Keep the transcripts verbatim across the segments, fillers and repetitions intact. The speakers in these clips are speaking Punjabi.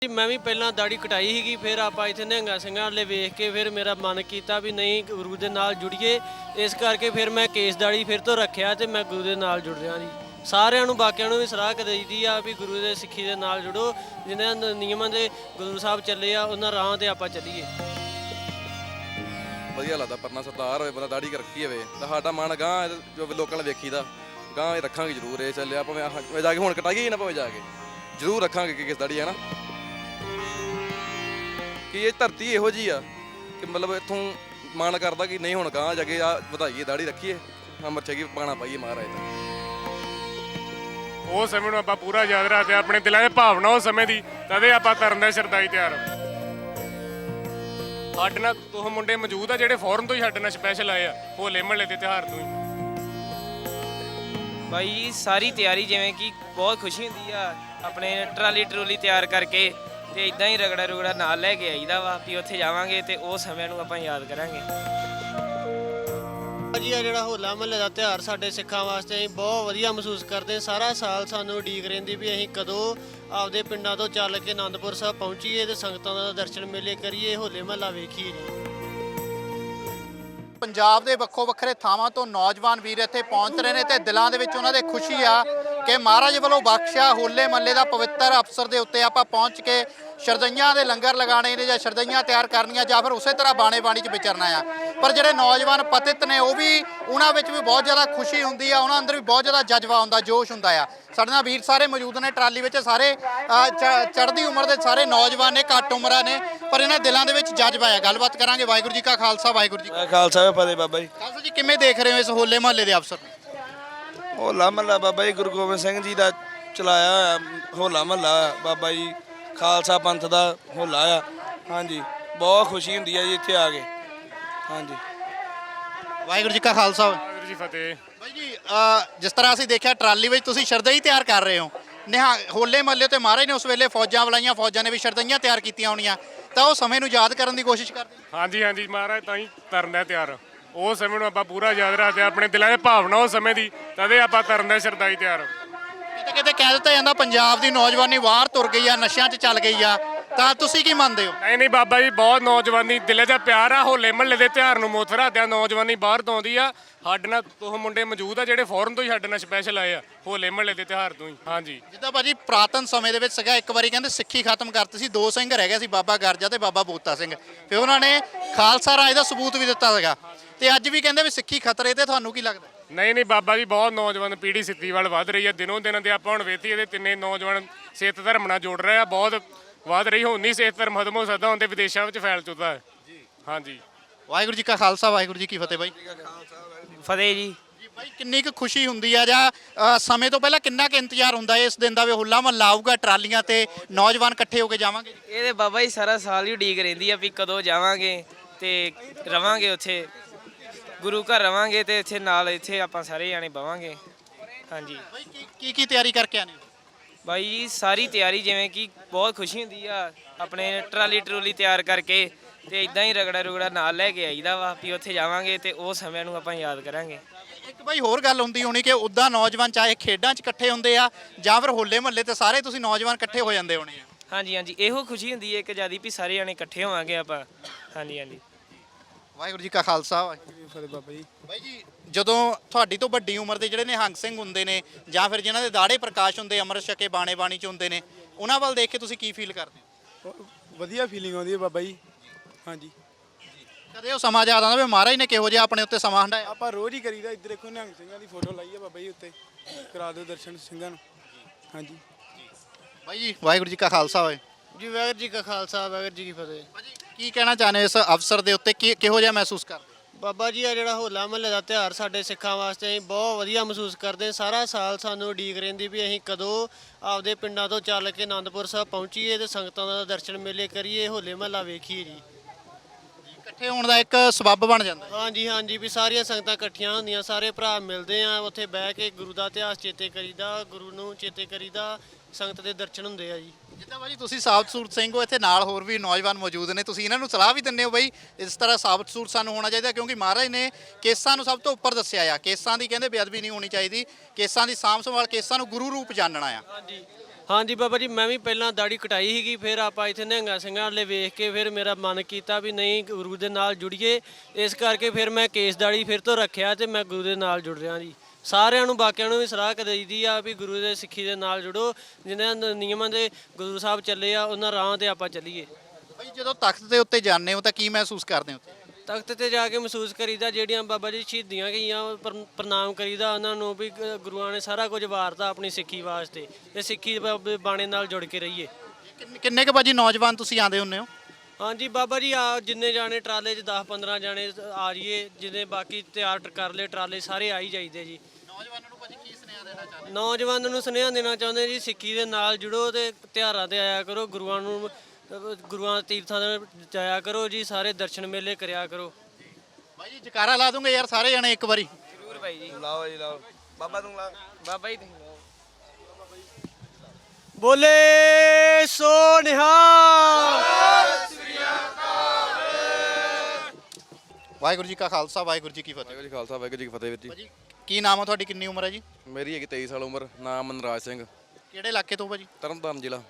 मैं भी पहला दाढ़ी कटाई ही, फिर आप इतने निहंगा ਸਿੰਘਾਂ वाले वेख के फिर मेरा मन किया भी नहीं गुरु के नाल जुड़िए, इस करके फिर मैं केस दाढ़ी फिर तो रखिया ते मैं गुरु के नाल जुड़ रहा जी। ਸਾਰਿਆਂ ਨੂੰ ਬਾਕੀਆਂ ਨੂੰ ਵੀ ਸਲਾਹ ਕਰੀਦੀ ਆ ਵੀ ਗੁਰੂ ਦੇ ਸਿੱਖੀ ਦੇ ਨਾਲ ਜੁੜੋ, ਜਿਨ੍ਹਾਂ ਨਿਯਮਾਂ ਦੇ ਗੁਰੂ ਸਾਹਿਬ ਚੱਲੇ ਆ ਉਹਨਾਂ ਰਾਹਾਂ ਤੇ ਆਪਾਂ ਚੱਲੀਏ। ਵਧੀਆ ਲੱਗਦਾ ਪਰਨਾ ਸਰਦਾਰ ਹੋਵੇ, ਬੰਦਾ ਦਾੜੀ ਰੱਖੀ ਹੋਵੇ ਤਾਂ ਸਾਡਾ ਮਨ ਗਾਂ ਜੋ ਲੋਕਾਂ ਨੇ ਵੇਖੀਦਾ ਗਾਂ ਇਹ ਰੱਖਾਂਗੇ ਜ਼ਰੂਰ। ਇਹ ਚੱਲਿਆ ਭਾਵੇਂ ਜਾ ਕੇ ਹੁਣ ਕਟਾਈਏ ਨਾ ਭਾਵੇਂ ਜਾ ਕੇ ਜ਼ਰੂਰ ਰੱਖਾਂਗੇ ਕਿਸ ਦਾੜੀ ਹੈ ਨਾ, ਕਿ ਇਹ ਧਰਤੀ ਇਹੋ ਜਿਹੀ ਆ ਕਿ ਮਤਲਬ ਇੱਥੋਂ ਮਨ ਕਰਦਾ ਕਿ ਨਹੀਂ ਹੁਣ ਗਾਂ ਜਾ ਕੇ ਆ ਵਧਾਈਏ ਦਾੜੀ ਰੱਖੀਏ, ਮੱਥੇ ਕੀ ਪਾਣਾ ਪਾਈਏ ਮਹਾਰਾਜ ਦਾ। ਉਹ ਸਮੇਂ ਨੂੰ ਆਪਾਂ ਪੂਰਾ ਯਾਦ ਰੱਖਦੇ, ਆਪਣੇ ਦਿਲਾਂ 'ਚ ਭਾਵਨਾ ਉਸ ਸਮੇਂ ਦੀ, ਤਦੇ ਆਪਾਂ ਕਰਨ ਦਾ ਸ਼ਰਧਾਈ ਤਿਆਰ। ਸਾਡੇ ਨਾਲ ਉਹ ਮੁੰਡੇ ਮੌਜੂਦ ਆ ਜਿਹੜੇ ਫੌਰਨ ਤੋਂ ਹੀ ਸਾਡੇ ਨਾਲ ਸਪੈਸ਼ਲ ਆਏ ਆ ਹੋਲੇ ਮਹੱਲੇ ਦੇ ਤਿਉਹਾਰ ਤੋਂ ਹੀ। ਬਾਈ ਸਾਰੀ ਤਿਆਰੀ ਜਿਵੇਂ ਕਿ ਬਹੁਤ ਖੁਸ਼ੀ ਹੁੰਦੀ ਆ, ਆਪਣੇ ਟਰਾਲੀ ਟਰੂਲੀ ਤਿਆਰ ਕਰਕੇ ਤੇ ਇਦਾਂ ਹੀ ਰਗੜਾ ਰੁਗੜਾ ਨਾਲ ਲੈ ਕੇ ਆਈਦਾ ਵਾ ਵੀ ਉੱਥੇ ਜਾਵਾਂਗੇ ਤੇ ਉਹ ਸਮੇਂ ਨੂੰ ਆਪਾਂ ਯਾਦ ਕਰਾਂਗੇ। ਜੀ ਆ ਜਿਹੜਾ ਹੋਲਾ ਮਹੱਲੇ ਦਾ ਤਿਉਹਾਰ ਸਾਡੇ ਸਿੱਖਾਂ ਵਾਸਤੇ ਅਸੀਂ ਬਹੁਤ ਵਧੀਆ ਮਹਿਸੂਸ ਕਰਦੇ। ਸਾਰਾ ਸਾਲ ਸਾਨੂੰ ਉਡੀਕ ਰਹਿੰਦੀ ਵੀ ਅਸੀਂ ਕਦੋਂ ਆਪਦੇ ਪਿੰਡਾਂ ਤੋਂ ਚੱਲ ਕੇ ਆਨੰਦਪੁਰ ਸਾਹਿਬ ਪਹੁੰਚੀਏ ਤੇ ਸੰਗਤਾਂ ਦਾ ਦਰਸ਼ਨ ਮੇਲੇ ਕਰੀਏ, ਹੋਲੇ ਮਹੱਲਾ ਵੇਖੀਏ ਜੀ। ਪੰਜਾਬ ਦੇ ਵੱਖੋ ਵੱਖਰੇ ਥਾਵਾਂ ਤੋਂ ਨੌਜਵਾਨ ਵੀਰ ਇੱਥੇ ਪਹੁੰਚ ਰਹੇ ਨੇ ਤੇ ਦਿਲਾਂ ਦੇ ਵਿੱਚ ਉਹਨਾਂ ਦੇ ਖੁਸ਼ੀ ਆ ਕਿ ਮਹਾਰਾਜ ਵੱਲੋਂ ਬਖਸ਼ਿਆ ਹੋਲੇ ਮਹੱਲੇ ਦਾ ਪਵਿੱਤਰ ਅਵਸਰ ਦੇ ਉੱਤੇ ਆਪਾਂ ਪਹੁੰਚ ਕੇ ਸ਼ਰਦਈਆਂ ਦੇ ਲੰਗਰ ਲਗਾਉਣੇ ਨੇ ਜਾਂ ਸ਼ਰਦਈਆਂ ਤਿਆਰ ਕਰਨੀਆਂ ਜਾਂ ਫਿਰ ਉਸੇ ਤਰ੍ਹਾਂ ਬਾਣੇ ਬਾਣੀ 'ਚ ਵਿਚਰਨਾ ਆ। ਪਰ ਜਿਹੜੇ ਨੌਜਵਾਨ ਪਤਿਤ ਨੇ ਉਹ ਵੀ ਉਹਨਾਂ ਵਿੱਚ ਵੀ ਬਹੁਤ ਜ਼ਿਆਦਾ ਖੁਸ਼ੀ ਹੁੰਦੀ ਆ, ਉਹਨਾਂ ਅੰਦਰ ਵੀ ਬਹੁਤ ਜ਼ਿਆਦਾ ਜਜ਼ਬਾ ਹੁੰਦਾ, ਜੋਸ਼ ਹੁੰਦਾ ਆ। ਸਾਡੇ ਨਾਲ ਵੀਰ ਸਾਰੇ ਮੌਜੂਦ ਨੇ ਟਰਾਲੀ ਵਿੱਚ, ਸਾਰੇ ਚੜ੍ਹਦੀ ਉਮਰ ਦੇ ਸਾਰੇ ਨੌਜਵਾਨ ਨੇ, ਘੱਟ ਉਮਰਾਂ ਨੇ, ਪਰ ਇਹਨਾਂ ਦਿਲਾਂ ਦੇ ਵਿੱਚ ਜਜ਼ਬਾ ਆ। ਗੱਲਬਾਤ ਕਰਾਂਗੇ। ਵਾਹਿਗੁਰੂ ਜੀ ਕਾ ਖਾਲਸਾ, ਵਾਹਿਗੁਰੂ ਜੀ ਕੀ ਖਾਲਸਾ, ਫਤਿਹ ਬਾਬਾ ਜੀ। ਖਾਲਸਾ ਜੀ, ਕਿਵੇਂ ਦੇਖ ਰਹੇ ਹੋ ਇਸ ਹੋਲੇ ਮਹੱਲੇ ਦੇ ਅਵਸਰ ਨੂੰ? ਹੋਲਾ ਮਹੱਲਾ ਬਾਬਾ ਜੀ ਗੁਰੂ ਗੋਬਿੰਦ ਸਿੰਘ ਜੀ ਦਾ ਚਲਾਇਆ ਹੋਇਆ ਹੋਲਾ ਮਹੱਲਾ, ਬਾਬਾ ਜੀ ਖਾਲਸਾ ਪੰਥ ਦਾ ਹੋਲਾ ਆ। ਹਾਂਜੀ, ਬਹੁਤ ਖੁਸ਼ੀ ਹੁੰਦੀ ਹੈ ਜੀ ਇੱਥੇ ਆ ਕੇ। ਹਾਂਜੀ, ਵਾਹਿਗੁਰੂ ਜੀ ਕਾ ਖਾਲਸਾ, ਵਾਹਿਗੁਰੂ ਜੀ ਫਤਿਹ। ਬਾਈ ਜੀ ਜਿਸ ਤਰ੍ਹਾਂ ਅਸੀਂ ਦੇਖਿਆ ਟਰਾਲੀ ਵਿੱਚ ਤੁਸੀਂ ਸ਼ਰਦਈ ਤਿਆਰ ਕਰ ਰਹੇ ਹੋ, ਨਿਹਾ ਹੋਲੇ ਮਹੱਲੇ ਤੇ ਮਹਾਰਾਜ ਨੇ ਉਸ ਵੇਲੇ ਫੌਜਾਂ ਬੁਲਾਈਆਂ, ਫੌਜਾਂ ਨੇ ਵੀ ਸ਼ਰਦਈਆਂ ਤਿਆਰ ਕੀਤੀਆਂ ਹੋਣੀਆਂ, ਤਾਂ ਉਹ ਸਮੇਂ ਨੂੰ ਯਾਦ ਕਰਨ ਦੀ ਕੋਸ਼ਿਸ਼ ਕਰਦੇ? ਹਾਂਜੀ ਹਾਂਜੀ, ਮਹਾਰਾਜ ਤਾਂ ਹੀ ਕਰਨ ਦਾ ਤਿਆਰ। ਉਹ ਸਮੇਂ ਨੂੰ ਆਪਾਂ ਪੂਰਾ ਯਾਦ ਰੱਖਦੇ, ਆਪਣੇ ਦਿਲਾਂ 'ਚ ਭਾਵਨਾ ਉਸ ਸਮੇਂ ਦੀ, ਤਦੇ ਆਪਾਂ ਕਰਨ ਦਾ ਸ਼ਰਧਾਈ ਤਿਆਰ। ਕਿਤੇ ਕਿਤੇ ਕਹਿ ਦਿੱਤਾ ਜਾਂਦਾ ਪੰਜਾਬ ਦੀ ਨੌਜਵਾਨੀ ਬਾਹਰ ਤੁਰ ਗਈ ਆ, ਨਸ਼ਿਆਂ 'ਚ ਚੱਲ ਗਈ ਆ, ਤਾਂ ਤੁਸੀਂ ਕੀ ਮੰਨਦੇ ਹੋ? ਨਹੀਂ ਨਹੀਂ ਬਾਬਾ ਜੀ, ਬਹੁਤ ਨੌਜਵਾਨੀ ਦਿਲੇ 'ਚ ਪਿਆਰ ਆ। ਹੋਲੇ ਮਹੱਲੇ ਦੇ ਤਿਉਹਾਰ ਨੂੰ ਮੁੱਖ ਰੱਖਦਿਆਂ ਨੌਜਵਾਨੀ ਬਾਹਰ ਤੋਂ ਆਉਂਦੀ ਆ। ਸਾਡੇ ਨਾਲ ਉਹ ਮੁੰਡੇ ਮੌਜੂਦ ਆ ਜਿਹੜੇ ਫੌਰਨ ਤੋਂ ਹੀ ਸਾਡੇ ਨਾਲ ਸਪੈਸ਼ਲ ਆਏ ਆ ਹੋਲੇ ਮਹੱਲੇ ਦੇ ਤਿਉਹਾਰ ਤੋਂ ਹੀ। ਹਾਂਜੀ, ਜਿੱਦਾਂ ਭਾਜੀ ਪੁਰਾਤਨ ਸਮੇਂ ਦੇ ਵਿੱਚ ਸੀਗਾ, ਇੱਕ ਵਾਰੀ ਕਹਿੰਦੇ ਸਿੱਖੀ ਖਤਮ ਕਰਤੀ ਸੀ, ਦੋ ਸਿੰਘ ਰਹਿ ਗਏ ਸੀ, ਬਾਬਾ ਗਰਜਾ ਤੇ ਬਾਬਾ ਬੋਤਾ ਸਿੰਘ। ਫਿਰ ਉਹਨਾਂ ਨੇ ਖਾਲਸਾ ਰਾਜ ਦਾ ਸਬੂਤ ਵੀ ਦਿੱਤਾ ਸੀਗਾ, ਤੇ ਅੱਜ ਵੀ ਕਹਿੰਦੇ ਵੀ ਸਿੱਖੀ ਖਤਰੇ ਤੇ। ਤੁਹਾਨੂੰ ਕੀ ਲੱਗਦਾ? ਨਹੀਂ ਨਹੀਂ ਬਾਬਾ ਜੀ, ਬਹੁਤ ਨੌਜਵਾਨ ਪੀੜ੍ਹੀ ਸਿੱਖੀ ਵੱਲ ਵੱਧ ਰਹੀ ਹੈ ਦਿਨੋਂ ਦਿਨ, ਤੇ ਆਪਾਂ ਹੁਣ ਵੇਖੀ ਇਹਦੇ ਤਿੰਨੇ ਨੌਜਵਾਨ ਸਿੱਖ ਧਰਮ ਨਾਲ ਜੁੜ ਰਹੇ ਆ, ਬਹੁਤ ਵੱਧ ਰਹੀ। ਹੁਣ ਨਹੀਂ ਸਿੱਖ ਧਰਮ ਖਤਮ ਹੋ ਸਕਦਾ, ਹੁਣ ਤੇ ਵਿਦੇਸ਼ਾਂ ਵਿੱਚ ਫੈਲ ਚੁੱਕਾ ਹੈ। ਹਾਂਜੀ, ਵਾਹਿਗੁਰੂ ਜੀ ਕਾ ਖਾਲਸਾ, ਵਾਹਿਗੁਰੂ ਜੀ ਕੀ ਫਤਿਹ। ਬਾਈ ਫਤਿਹ ਜੀ। ਜੀ ਬਾਈ, ਕਿੰਨੀ ਕੁ ਖੁਸ਼ੀ ਹੁੰਦੀ ਆ ਜਾਂ ਸਮੇਂ ਤੋਂ ਪਹਿਲਾਂ ਕਿੰਨਾ ਕੁ ਇੰਤਜ਼ਾਰ ਹੁੰਦਾ ਇਸ ਦਿਨ ਦਾ ਵੀ ਹੋਲਾ ਮਹੱਲਾ ਆਊਗਾ, ਟਰਾਲੀਆਂ ਤੇ ਨੌਜਵਾਨ ਇਕੱਠੇ ਹੋ ਕੇ ਜਾਵਾਂਗੇ? ਇਹ ਤੇ ਬਾਬਾ ਜੀ ਸਾਰਾ ਸਾਲ ਹੀ ਉਡੀਕ ਰਹਿੰਦੀ ਆ ਵੀ ਕਦੋਂ ਜਾਵਾਂਗੇ ਤੇ ਰਵਾਂਗੇ ਉੱਥੇ, ਗੁਰੂ ਘਰ ਰਵਾਂਗੇ ਤੇ ਇੱਥੇ ਨਾਲ ਇੱਥੇ ਆਪਾਂ ਸਾਰੇ ਜਾਣੇ ਬਵਾਂਗੇ। ਹਾਂਜੀ ਬਾਈ, ਕੀ ਕੀ ਕੀ ਤਿਆਰੀ ਕਰਕੇ ਆਨੇ? ਬਾਈ ਜੀ ਸਾਰੀ ਤਿਆਰੀ ਜਿਵੇਂ ਕਿ ਬਹੁਤ ਖੁਸ਼ੀ ਹੁੰਦੀ ਆ, ਆਪਣੇ ਟਰਾਲੀ ਟਰੂਲੀ ਤਿਆਰ ਕਰਕੇ ਤੇ ਇਦਾਂ ਹੀ ਰਗੜਾ ਰੁਗੜਾ ਨਾਲ ਲੈ ਕੇ ਆਈਦਾ ਵਾ ਵੀ ਉੱਥੇ ਜਾਵਾਂਗੇ ਤੇ ਉਹ ਸਮੇਂ ਨੂੰ ਆਪਾਂ ਯਾਦ ਕਰਾਂਗੇ। ਇੱਕ ਬਾਈ ਹੋਰ ਗੱਲ ਹੁੰਦੀ ਹੋਣੀ ਕਿ ਉੱਦਾਂ ਨੌਜਵਾਨ ਚਾਹੇ ਖੇਡਾਂ 'ਚ ਇਕੱਠੇ ਹੁੰਦੇ ਆ ਜਾਂ ਫਿਰ ਹੋਲੇ ਮਹੱਲੇ ਤੇ ਸਾਰੇ ਤੁਸੀਂ ਨੌਜਵਾਨ ਇਕੱਠੇ ਹੋ ਜਾਂਦੇ ਹੋਣੇ ਆ। ਹਾਂਜੀ ਹਾਂਜੀ, ਇਹੋ ਖੁਸ਼ੀ ਹੁੰਦੀ ਹੈ ਇੱਕ ਜਿਆਦੀ ਵੀ ਸਾਰੇ ਜਾਣੇ ਇਕੱਠੇ ਹੋਵਾਂਗੇ ਆਪਾਂ। ਹਾਂਜੀ ਹਾਂਜੀ, ਵਾਹਿਗੁਰੂ ਜੀ ਕਾ ਖਾਲਸਾ, ਵਾਹਿਗੁਰੂ ਜੀ ਕੀ ਫਤਿਹ। ਬਾਬਾ ਜੀ, ਬਾਈ ਜੀ ਜਦੋਂ ਤੁਹਾਡੀ ਤੋਂ ਵੱਡੀ ਉਮਰ ਦੇ ਜਿਹੜੇ ਨਿਹੰਗ ਸਿੰਘ ਹੁੰਦੇ ਨੇ ਜਾਂ ਫਿਰ ਜਿਨ੍ਹਾਂ ਦੇ ਦਾੜੇ ਪ੍ਰਕਾਸ਼ ਹੁੰਦੇ, ਅੰਮ੍ਰਿਤ ਛਕੇ ਬਾਣੇ ਬਾਣੀ 'ਚ ਹੁੰਦੇ ਨੇ, ਉਹਨਾਂ ਵੱਲ ਦੇਖ ਕੇ ਤੁਸੀਂ ਕੀ ਫੀਲ ਕਰਦੇ ਹੋ? ਵਧੀਆ ਫੀਲਿੰਗ ਆਉਂਦੀ ਹੈ ਬਾਬਾ ਜੀ। ਹਾਂਜੀ, ਕਦੇ ਉਹ ਸਮਾਂ ਯਾਦ ਆਉਂਦਾ ਵੀ ਮਹਾਰਾਜ ਨੇ ਕਿਹੋ ਜਿਹਾ ਆਪਣੇ ਉੱਤੇ ਸਮਾਂ ਹੰਢਾਇਆ? ਆਪਾਂ ਰੋਜ਼ ਹੀ ਕਰੀਦਾ। ਇੱਧਰ ਦੇਖੋ ਨਿਹੰਗ ਸਿੰਘਾਂ ਦੀ ਫੋਟੋ ਲਾਈ ਹੈ ਬਾਬਾ ਜੀ ਉੱਤੇ, ਕਰਾ ਦਿਓ ਦਰਸ਼ਨ ਸਿੰਘਾਂ ਨੂੰ। ਹਾਂਜੀ ਬਾਈ ਜੀ, ਵਾਹਿਗੁਰੂ ਜੀ ਕਾ ਖਾਲਸਾ ਹੋਏ ਜੀ। ਵਾਹਿਗੁਰੂ ਜੀ ਕਾ ਖਾਲਸਾ, ਵਾਹਿਗੁਰੂ ਜੀ ਕੀ ਫਤਿਹ। ਭਾਜੀ, ਕੀ ਕਹਿਣਾ ਚਾਹੁੰਦੇ ਹੋ ਇਸ ਅਵਸਰ ਦੇ ਉੱਤੇ? ਕੀ ਕਿਹੋ ਜਿਹਾ ਮਹਿਸੂਸ ਕਰਦੇ? ਬਾਬਾ ਜੀ ਆ ਜਿਹੜਾ ਹੋਲਾ ਮਹੱਲੇ ਦਾ ਤਿਉਹਾਰ ਸਾਡੇ ਸਿੱਖਾਂ ਵਾਸਤੇ ਅਸੀਂ ਬਹੁਤ ਵਧੀਆ ਮਹਿਸੂਸ ਕਰਦੇ। ਸਾਰਾ ਸਾਲ ਸਾਨੂੰ ਉਡੀਕ ਰਹਿੰਦੀ ਵੀ ਅਸੀਂ ਕਦੋਂ ਆਪਦੇ ਪਿੰਡਾਂ ਤੋਂ ਚੱਲ ਕੇ ਆਨੰਦਪੁਰ ਸਾਹਿਬ ਪਹੁੰਚੀਏ ਤੇ ਸੰਗਤਾਂ ਦਾ ਦਰਸ਼ਨ ਮੇਲੇ ਕਰੀਏ, ਹੋਲੇ ਮਹੱਲਾ ਵੇਖੀਏ ਜੀ। ਇਕੱਠੇ ਹੋਣ ਦਾ ਇੱਕ ਸਬੱਬ ਬਣ ਜਾਂਦਾ। ਹਾਂਜੀ ਹਾਂਜੀ, ਵੀ ਸਾਰੀਆਂ ਸੰਗਤਾਂ ਇਕੱਠੀਆਂ ਹੁੰਦੀਆਂ, ਸਾਰੇ ਭਰਾ ਮਿਲਦੇ ਆ, ਉੱਥੇ ਬਹਿ ਕੇ ਗੁਰੂ ਦਾ ਇਤਿਹਾਸ ਚੇਤੇ ਕਰੀਦਾ, ਗੁਰੂ ਨੂੰ ਚੇਤੇ ਕਰੀਦਾ, ਸੰਗਤ ਦੇ ਦਰਸ਼ਨ ਹੁੰਦੇ ਆ ਜੀ। ਜਿੱਦਾਂ ਭਾਜੀ ਤੁਸੀਂ ਸਾਬਤ ਸੂਰਤ ਸਿੰਘ ਹੋ, ਇੱਥੇ ਨਾਲ ਹੋਰ ਵੀ ਨੌਜਵਾਨ ਮੌਜੂਦ ਨੇ, ਤੁਸੀਂ ਇਹਨਾਂ ਨੂੰ ਸਲਾਹ ਵੀ ਦਿੰਦੇ ਹੋ ਬਈ ਇਸ ਤਰ੍ਹਾਂ ਸਾਬਤ ਸੂਰਤ ਸਾਨੂੰ ਹੋਣਾ ਚਾਹੀਦਾ, ਕਿਉਂਕਿ ਮਹਾਰਾਜ ਨੇ ਕੇਸਾਂ ਨੂੰ ਸਭ ਤੋਂ ਉੱਪਰ ਦੱਸਿਆ ਆ। ਕੇਸਾਂ ਦੀ ਕਹਿੰਦੇ ਬੇਅਦਬੀ ਨਹੀਂ ਹੋਣੀ ਚਾਹੀਦੀ, ਕੇਸਾਂ ਦੀ ਸਾਂਭ ਸੰਭਾਲ, ਕੇਸਾਂ ਨੂੰ ਗੁਰੂ ਰੂਪ ਜਾਣਨਾ ਆ। ਹਾਂਜੀ, ਹਾਂਜੀ ਬਾਬਾ ਜੀ, ਮੈਂ ਵੀ ਪਹਿਲਾਂ ਦਾੜੀ ਕਟਾਈ ਸੀਗੀ, ਫਿਰ ਆਪਾਂ ਇੱਥੇ ਨਿਹੰਗਾ ਸਿੰਘਾਂ ਵਾਲੇ ਵੇਖ ਕੇ ਫਿਰ ਮੇਰਾ ਮਨ ਕੀਤਾ ਵੀ ਨਹੀਂ ਗੁਰੂ ਦੇ ਨਾਲ ਜੁੜੀਏ। ਇਸ ਕਰਕੇ ਫਿਰ ਮੈਂ ਕੇਸ ਦਾੜੀ ਫਿਰ ਤੋਂ ਰੱਖਿਆ ਤੇ ਮੈਂ ਗੁਰੂ ਦੇ ਨਾਲ ਜੁੜ ਰਿਹਾ ਜੀ। ਸਾਰਿਆਂ ਨੂੰ ਬਾਕੀਆਂ ਨੂੰ ਵੀ ਸਲਾਹ ਕਰੀਦੀ ਆ ਵੀ ਗੁਰੂ ਦੇ ਸਿੱਖੀ ਦੇ ਨਾਲ ਜੁੜੋ, ਜਿਨ੍ਹਾਂ ਨ- ਨਿਯਮਾਂ ਦੇ ਗੁਰੂ ਸਾਹਿਬ ਚੱਲੇ ਆ ਉਹਨਾਂ ਰਾਹਾਂ ਤੇ ਆਪਾਂ ਚੱਲੀਏ। ਬਈ ਜਦੋਂ ਤਖਤ ਦੇ ਉੱਤੇ ਜਾਂਦੇ ਹੋ ਤਾਂ ਕੀ ਮਹਿਸੂਸ ਕਰਦੇ ਹੋ ਉੱਥੇ? ਤਖਤ ਤੇ ਜਾ ਕੇ ਮਹਿਸੂਸ ਕਰੀਦਾ ਜਿਹੜੀਆਂ ਬਾਬਾ ਜੀ ਸ਼ਹੀਦੀਆਂ ਗਈਆਂ ਉਹ ਪ੍ਰ- ਪ੍ਰਣਾਮ ਕਰੀਦਾ ਉਹਨਾਂ ਨੂੰ ਵੀ ਗ- ਗੁਰੂਆਂ ਨੇ ਸਾਰਾ ਕੁਝ ਵਾਰਤਾ ਆਪਣੀ ਸਿੱਖੀ ਵਾਸਤੇ ਤੇ ਸਿੱਖੀ ਦੇ ਬ- ਬਾਣੇ ਨਾਲ ਜੁੜ ਕੇ ਰਹੀਏ। ਕਿੰਨੇ- ਕਿੰਨੇ ਕੁ ਭਾਜੀ ਨੌਜਵਾਨ ਤੁਸੀਂ ਆਉਂਦੇ ਹੁੰਦੇ ਹੋ? ਹਾਂਜੀ ਬਾਬਾ ਜੀ, ਆ ਜਿੰਨੇ ਜਾਣੇ ਟਰਾਲੇ 'ਚ ਦਸ ਪੰਦਰਾਂ ਜਾਣੇ ਆ ਜਾਈਏ, ਜਿੰਨੇ ਬਾਕੀ ਤਿਆਰ ਕਰ ਲਏ ਟਰਾਲੇ ਸਾਰੇ ਆ ਹੀ ਜਾਈਦੇ ਜੀ। ਨੌਜਵਾਨਾਂ ਨੂੰ ਭਾਜੀ ਕੀ ਸੁਨੇਹਾ ਦੇਣਾ ਚਾਹੁੰਦੇ? ਨੌਜਵਾਨਾਂ ਨੂੰ ਸੁਨੇਹਾ ਦੇਣਾ ਚਾਹੁੰਦੇ ਜੀ, ਸਿੱਖੀ ਦੇ ਨਾਲ ਜੁੜੋ ਤੇ ਤਿਉਹਾਰਾਂ ਤੇ ਆਇਆ ਕਰੋ, ਗੁਰੂਆਂ ਨੂੰ ਗੁਰੂਆਂ ਦੇ ਤੀਰਥਾਂ ਤੇ ਜਾਇਆ ਕਰੋ ਜੀ, ਸਾਰੇ ਦਰਸ਼ਨ ਮੇਲੇ ਕਰਿਆ ਕਰੋ। ਭਾਈ ਜੀ ਜਕਾਰਾ ਲਾ ਦੂੰਗੇ ਯਾਰ ਸਾਰੇ ਜਣੇ ਇੱਕ ਵਾਰੀ। ਜ਼ਰੂਰ ਭਾਈ ਜੀ। ਲਾਓ ਜੀ ਲਾਓ ਬਾਬਾ ਤੂੰ ਲਾ ਬਾਬਾ ਜੀ ਤੁਸੀਂ ਲਾਓ। ਬੋਲੇ ਸੋ ਨਿਹਾਲ। ਵਾਹਿਗੁਰੂ ਜੀ ਕਾ ਖਾਲਸਾ ਵਾਹਿਗੁਰੂ ਜੀ ਕੀ ਫਤਿਹ। ਵਾਹਿਗੁਰੂ ਜੀ ਖਾਲਸਾ ਵਾਹਿਗੁਰੂ ਜੀ ਕੀ ਫਤਿਹ ਵੀਰ ਜੀ। ਭਾਜੀ ਕੀ ਨਾਮ ਹੈ ਤੁਹਾਡੀ, ਕਿੰਨੀ ਉਮਰ ਹੈ ਜੀ? ਮੇਰੀ ਹੈਗੀ ਤੇਈ ਸਾਲ ਉਮਰ, ਨਾਮ ਮਨਰਾਜ ਸਿੰਘ, ਕਿਹੜੇ ਇਲਾਕੇ ਤੋਂ ਭਾਜੀ? ਤਰਨਤਾਰਨ ਜ਼ਿਲ੍ਹਾ।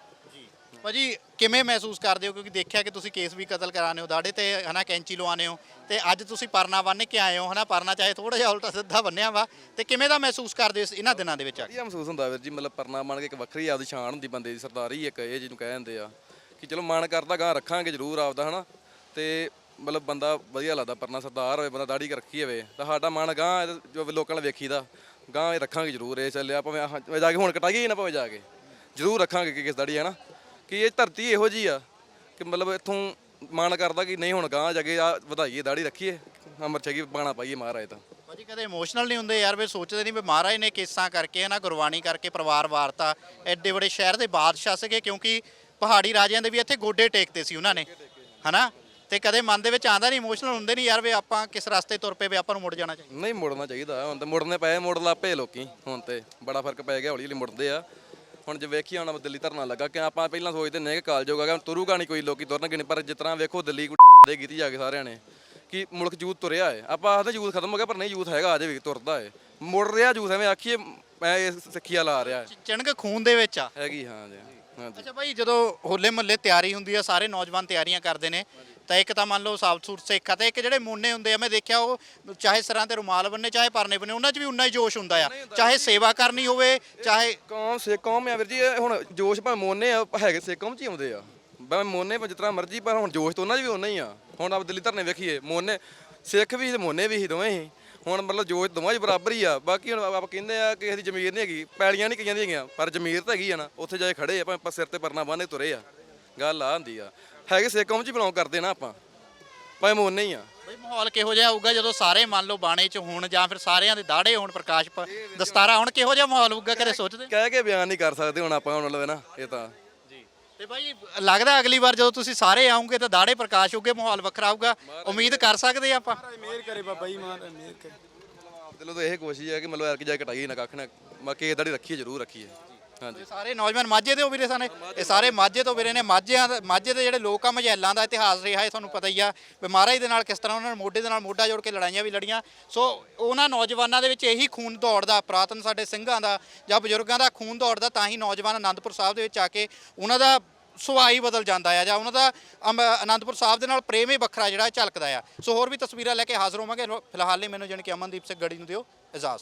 ਭਾਜੀ ਕਿਵੇਂ ਮਹਿਸੂਸ ਕਰਦੇ ਹੋ, ਕਿਉਂਕਿ ਦੇਖਿਆ ਕਿ ਤੁਸੀਂ ਕੇਸ ਵੀ ਕਤਲ ਕਰਾਣੇ ਹੋ, ਦਾੜੇ ਤੇ ਹਨਾ ਕੈਂਚੀ ਲਵਾਉਂਦੇ ਹੋ ਤੇ ਅੱਜ ਤੁਸੀਂ ਪਰਨਾ ਬੰਨ੍ਹ ਕੇ ਆਏ ਹੋ ਹਨਾ, ਪਰਨਾ ਚਾਹੇ ਥੋੜਾ ਜਿਹਾ ਉਲਟਾ ਸਿੱਧਾ ਬੰਨਿਆ ਵਾ, ਤੇ ਕਿਵੇਂ ਦਾ ਮਹਿਸੂਸ ਕਰਦੇ ਹੋ ਇਸ- ਇਹਨਾਂ ਦਿਨਾਂ ਦੇ ਵਿੱਚ ਆ ਕੇ? ਵਧੀਆ ਮਹਿਸੂਸ ਹੁੰਦਾ ਵੀਰ ਜੀ, ਮਤਲਬ ਪਰਨਾ ਬਣ ਕੇ ਇੱਕ ਵੱਖਰੀ ਆਪਦੀ ਸ਼ਾਨ ਹੁੰਦੀ ਬੰਦੇ ਦੀ, ਸਰਦਾਰੀ ਇੱਕ ਇਹ ਜਿਹਨੂੰ ਕਹਿ ਦਿੰਦੇ ਆ ਕਿ ਚਲੋ ਮਨ ਕਰਦਾ ਗਾਂ ਰੱਖਾਂਗੇ ਜ਼ਰੂਰ ਆਪਦਾ ਹਨਾ, ਤੇ ਮਤਲਬ ਬੰਦਾ ਵਧੀਆ ਲੱਗਦਾ ਪਰਨਾ ਸਰਦਾਰ ਹੋਵੇ, ਬੰਦਾ ਦਾੜੀ ਰੱਖੀ ਹੋਵੇ ਤਾਂ ਸਾਡਾ ਮਨ ਗਾਂ ਜੋ ਲੋਕਾਂ ਨਾਲ ਵੇਖੀਦਾ ਗਾਂ ਇਹ ਰੱਖਾਂਗੇ ਜ਼ਰੂਰ। ਇਹ ਚੱਲਿਆ ਭਾਵੇਂ ਆਹ ਜਾ ਕੇ ਹੁਣ ਕਟਾਈਏ ਨਾ ਭਾਵੇਂ ਜਾ ਕੇ ਜ਼ਰੂਰ ਰੱਖਾਂਗੇ ਕਿ ਕਿਸ ਦਾੜੀ ਹੈ ਨਾ, ਕਿ ਇਹ ਧਰਤੀ ਇਹੋ ਜੀ ਆ ਕਿ ਮਤਲਬ ਇੱਥੋਂ ਮਨ ਕਰਦਾ ਕਿ ਨਹੀਂ ਹੁਣ ਗਾਂ ਜਾ ਕੇ ਆ ਵਧਾਈਏ ਦਾੜੀ ਰੱਖੀਏ, ਅਮਰ ਛਕੀ ਬਾਣਾ ਪਾਈਏ ਮਹਾਰਾਜ ਤਾਂ। ਭਾਜੀ ਕਦੇ ਇਮੋਸ਼ਨਲ ਨਹੀਂ ਹੁੰਦੇ ਯਾਰ, ਵੀ ਸੋਚਦੇ ਨਹੀਂ ਵੀ ਮਹਾਰਾਜ ਨੇ ਕੇਸਾਂ ਕਰਕੇ ਹਨਾ ਗੁਰਬਾਣੀ ਕਰਕੇ ਪਰਿਵਾਰ ਵਾਰਤਾ, ਐਡੇ ਵੱਡੇ ਸ਼ਹਿਰ ਦੇ ਬਾਦਸ਼ਾਹ ਸੀਗੇ, ਕਿਉਂਕਿ ਪਹਾੜੀ ਰਾਜਿਆਂ ਦੇ ਵੀ ਇੱਥੇ ਗੋਡੇ ਟੇਕਦੇ ਸੀ ਉਹਨਾਂ ਨੇ ਹਨਾ, ਤੇ ਕਦੇ ਮਨ ਦੇ ਵਿੱਚ ਆਂਦਾ ਨਹੀਂ, ਇਮੋਸ਼ਨਲ ਹੁੰਦੇ ਨਹੀਂ ਯਾਰ ਵੀ ਆਪਾਂ ਕਿਸ ਰਸਤੇ ਤੁਰ ਪਏ ਵੀ ਆਪਾਂ ਨੂੰ ਮੁੜ ਜਾਣਾ ਚਾਹੀਦਾ? ਨਹੀਂ ਮੁੜਨਾ ਚਾਹੀਦਾ, ਹੁਣ ਤਾਂ ਮੁੜਨੇ ਪਏ, ਮੁੜ ਲੱਪੇ ਲੋਕੀ, ਹੁਣ ਤੇ ਬੜਾ ਫਰਕ ਪੈ ਗਿਆ, ਹੌਲੀ ਹੌਲੀ ਮੁੜਦੇ ਆ। ਹੁਣ ਜੇ ਵੇਖੀ ਹੁਣ ਦਿੱਲੀ ਧਰਨਾ ਲੱਗਾ ਕਿ ਆਪਾਂ ਪਹਿਲਾਂ ਸੋਚਦੇ ਨੇ ਕਿ ਕਾਲਜ ਹੋਗਾ ਤੁਰੂਗਾ ਨਹੀਂ ਕੋਈ, ਲੋਕੀ ਤੁਰਨਗੇ ਨਹੀਂ, ਪਰ ਜਿਸ ਤਰ੍ਹਾਂ ਵੇਖੋ ਦਿੱਲੀ ਦੇ ਕੀਤੀ ਜਾ ਕੇ ਸਾਰਿਆਂ ਨੇ ਕਿ ਮੁਲਕ ਯੂਥ ਤੁਰਿਆ ਹੈ। ਆਪਾਂ ਆਖਦੇ ਯੂਥ ਖਤਮ ਹੋ ਗਿਆ, ਪਰ ਨਹੀਂ, ਯੂਥ ਹੈਗਾ ਅਜੇ ਵੀ ਤੁਰਦਾ ਹੈ, ਮੁੜ ਰਿਹਾ ਯੂਥ, ਐਵੇਂ ਆਖੀਏ ਮੈਂ ਇਹ ਸਿੱਖਿਆ ਲਾ ਰਿਹਾ ਹੈ। ਚਿਣਕ ਖੂਨ ਦੇ ਵਿੱਚ ਆ। ਹੈਗੀ ਹਾਂ ਜੀ, ਹਾਂਜੀ। ਅੱਛਾ ਭਾਈ, ਜਦੋਂ ਹੋਲੇ ਮਹੱਲੇ ਤਿਆਰੀ ਹੁੰਦੀ ਆ, ਸਾਰੇ ਨੌਜਵਾਨ ਤਿਆਰੀਆਂ ਕਰਦੇ ਨੇ, ਤਾਂ ਇੱਕ ਤਾਂ ਮੰਨ ਲਓ ਸਾਫ ਸੂਟ ਸਿੱਖ ਆ, ਤੇ ਇੱਕ ਜਿਹੜੇ ਮੋਨੇ ਹੁੰਦੇ ਆ, ਮੈਂ ਦੇਖਿਆ ਉਹ ਚਾਹੇ ਸਿਰਾਂ ਤੇ ਰੁਮਾਲ ਬੰਨੇ ਚਾਹੇ ਪਰਨੇ ਬੰਨੇ, ਉਹਨਾਂ 'ਚ ਵੀ ਉਨਾ ਹੀ ਜੋਸ਼ ਹੁੰਦਾ ਆ, ਚਾਹੇ ਸੇਵਾ ਕਰਨੀ ਹੋਵੇ ਚਾਹੇ। ਕੌਮ ਸਿੱਖ ਕੌਮ ਆ ਵੀਰ ਜੀ, ਇਹ ਹੁਣ ਜੋਸ਼ ਭਾਵੇਂ ਮੋਨੇ ਆ ਹੈਗੇ ਸਿੱਖ ਕੌਮ 'ਚ ਹੀ ਆਉਂਦੇ ਆ, ਭਾਵੇਂ ਮੋਨੇ ਭਾਵੇਂ ਜਿਸ ਤਰ੍ਹਾਂ ਮਰਜ਼ੀ, ਪਰ ਹੁਣ ਜੋਸ਼ ਤਾਂ ਉਹਨਾਂ 'ਚ ਵੀ ਉਨਾ ਹੀ ਆ। ਹੁਣ ਆਪ ਦਿੱਲੀ ਧਰਨੇ ਵੇਖੀਏ, ਮੋਨੇ ਸਿੱਖ ਵੀ ਤੇ ਮੋਨੇ ਵੀ ਹੀ ਦੋਵੇਂ ਹੀ, ਹੁਣ ਮਤਲਬ ਜੋਸ਼ ਦੋਵਾਂ 'ਚ ਬਰਾਬਰ ਹੀ ਆ। ਬਾਕੀ ਹੁਣ ਆਪਾਂ ਕਹਿੰਦੇ ਆ ਕਿ ਇਹਦੀ ਜ਼ਮੀਰ ਨਹੀਂ ਹੈਗੀ, ਪੈਲੀਆਂ ਨਹੀਂ ਕਈਆਂ ਦੀਆਂ ਹੈਗੀਆਂ, ਪਰ ਜ਼ਮੀਰ ਤਾਂ ਹੈਗੀ ਆ ਨਾ, ਉੱਥੇ ਜਾ ਕੇ ਖੜੇ ਆ, ਭਾਵੇਂ ਸਿਰ ਤੇ ਪਰਨਾ ਬੰਨ੍ਹ ਕੇ ਤੁਰੇ ਆ, ਗੱਲ ਆ ਹੁੰਦੀ ਆ। ਹੈਗੇ ਸਿੱਖ ਕੌਮ 'ਚ ਹੀ ਬਿਲੋਂਗ ਕਰਦੇ ਨਾ ਆਪਾਂ, ਭਾਵੇਂ ਮੋਨੇ ਹੀ ਆ। ਬਈ ਮਾਹੌਲ ਕਿਹੋ ਜਿਹਾ ਹੋਊਗਾ ਜਦੋਂ ਸਾਰੇ ਮੰਨ ਲਓ ਬਾਣੇ 'ਚ ਹੋਣ ਜਾਂ ਫਿਰ ਸਾਰਿਆਂ ਦੇ ਦਾੜੇ ਹੋਣ, ਪ੍ਰਕਾਸ਼ ਪ- ਦਸਤਾਰਾ ਹੁਣ, ਕਿਹੋ ਜਿਹਾ ਮਾਹੌਲ ਹੋਊਗਾ ਕਦੇ ਸੋਚਦੇ? ਕਹਿ ਕੇ ਬਿਆਨ ਨਹੀਂ ਕਰ ਸਕਦੇ ਹੁਣ ਆਪਾਂ, ਹੁਣ ਮਤਲਬ ਨਾ ਇਹ ਤਾਂ। ਤੇ ਭਾਈ ਲੱਗਦਾ ਅਗਲੀ ਵਾਰ ਜਦੋਂ ਤੁਸੀਂ ਸਾਰੇ ਆਉਂਗੇ ਤਾਂ ਦਾੜੇ ਪ੍ਰਕਾਸ਼ ਹੋਗੇ, ਮਾਹੌਲ ਵੱਖਰਾ ਆਊਗਾ, ਉਮੀਦ ਕਰ ਸਕਦੇ ਆ ਆਪਾਂ? ਮਿਹਰ ਕਰੇ ਬਾਬਾ ਜੀ, ਮਹਾਰਾਜ ਮਿਹਰ ਕਰੇ। ਦਿਲੋਂ ਤਾਂ ਇਹ ਕੋਸ਼ਿਸ਼ ਹੈ ਕਿ ਮਤਲਬ ਐਰਕ ਜਾ ਕੇ ਕਟਾਈਏ ਨਾ ਕੱਖ ਨਾ, ਬਾਕੀ ਇਹ ਦਾੜੀ ਰੱਖੀਏ ਜ਼ਰੂਰ ਰੱਖੀਏ। ਹਾਂਜੀ, ਸਾਰੇ ਨੌਜਵਾਨ ਮਾਝੇ ਦੇ ਹੋ ਵੀਰੇ ਸਾਨੇ, ਇਹ ਸਾਰੇ ਮਾਝੇ ਤੋਂ ਵੀਰੇ ਨੇ। ਮਾਝਿਆਂ ਦਾ ਮਾਝੇ ਦੇ ਜਿਹੜੇ ਲੋਕ ਆ, ਮਝੈਲਾਂ ਦਾ ਇਤਿਹਾਸ ਰਿਹਾ ਹੈ ਤੁਹਾਨੂੰ ਪਤਾ ਹੀ ਆ, ਵੀ ਮਹਾਰਾਜ ਦੇ ਨਾਲ ਕਿਸ ਤਰ੍ਹਾਂ ਉਹਨਾਂ ਨੇ ਮੋਢੇ ਦੇ ਨਾਲ ਮੋਢਾ ਜੋੜ ਕੇ ਲੜਾਈਆਂ ਵੀ ਲੜੀਆਂ। ਸੋ ਉਹਨਾਂ ਨੌਜਵਾਨਾਂ ਦੇ ਵਿੱਚ ਇਹੀ ਖੂਨ ਦੌੜਦਾ, ਪੁਰਾਤਨ ਸਾਡੇ ਸਿੰਘਾਂ ਦਾ ਜਾਂ ਬਜ਼ੁਰਗਾਂ ਦਾ ਖੂਨ ਦੌੜਦਾ, ਤਾਂ ਹੀ ਨੌਜਵਾਨ ਆਨੰਦਪੁਰ ਸਾਹਿਬ ਦੇ ਵਿੱਚ ਆ ਕੇ ਉਹਨਾਂ ਦਾ ਸੁਭਾਅ ਹੀ ਬਦਲ ਜਾਂਦਾ ਆ, ਜਾਂ ਉਹਨਾਂ ਦਾ ਅੰਬ- ਆਨੰਦਪੁਰ ਸਾਹਿਬ ਦੇ ਨਾਲ ਪ੍ਰੇਮ ਹੀ ਵੱਖਰਾ ਜਿਹੜਾ ਝਲਕਦਾ ਆ। ਸੋ ਹੋਰ ਵੀ ਤਸਵੀਰਾਂ ਲੈ ਕੇ ਹਾਜ਼ਰ ਹੋਵਾਂਗੇ, ਫਿਲਹਾਲ ਲਈ ਮੈਨੂੰ ਜਾਣੀ ਕਿ ਅਮਨਦੀਪ ਸਿੰਘ ਗੜੀ ਨੂੰ ਦਿਓ ਇਜਾਜ਼ਤ।